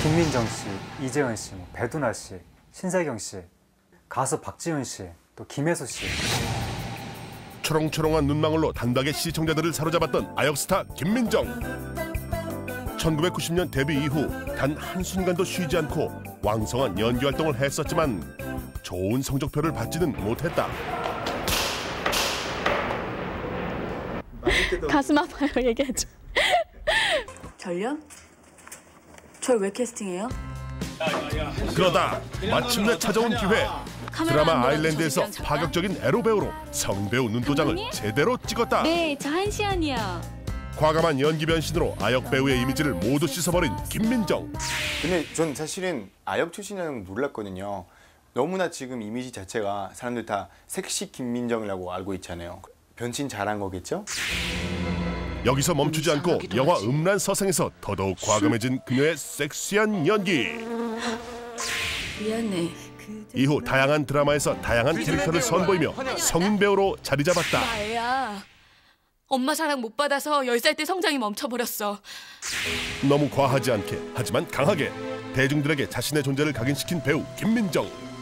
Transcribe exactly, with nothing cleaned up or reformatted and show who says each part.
Speaker 1: 김민정 씨, 이재은 씨, 뭐 배두나 씨, 신세경 씨, 가수 박지훈 씨, 또 김혜수 씨.
Speaker 2: 초롱초롱한 눈망울로 단박에 시청자들을 사로잡았던 아역스타 김민정. 천구백구십 년 데뷔 이후 단 한순간도 쉬지 않고 왕성한 연기 활동을 했었지만 좋은 성적표를 받지는 못했다.
Speaker 3: 가슴 아파요, 얘기해줘.
Speaker 4: 저요? 절 왜 캐스팅해요?
Speaker 2: 그러다 마침내 찾아온 기회. 드라마 아일랜드에서 파격적인 에로 배우로 성배우 눈도장을 제대로 찍었다.
Speaker 3: 네, 저 한시안이요.
Speaker 2: 과감한 연기 변신으로 아역 배우의 이미지를 모두 씻어버린 김민정.
Speaker 5: 근데 전 사실은 아역 출신이라는 걸 몰랐거든요. 너무나 지금 이미지 자체가 사람들 다 섹시 김민정이라고 알고 있잖아요. 변신 잘한 거겠죠?
Speaker 2: 여기서 멈추지 않고 영화 음란서생에서 더더욱 과감해진 그녀의 섹시한 연기.
Speaker 4: 미안해.
Speaker 2: 이후 다양한 드라마에서 다양한 캐릭터를 선보이며 성인 배우로 자리 잡았다.
Speaker 6: 나 애야. 엄마 사랑 못 받아서 열 살 때 성장이 멈춰버렸어.
Speaker 2: 너무 과하지 않게 하지만 강하게 대중들에게 자신의 존재를 각인시킨 배우 김민정.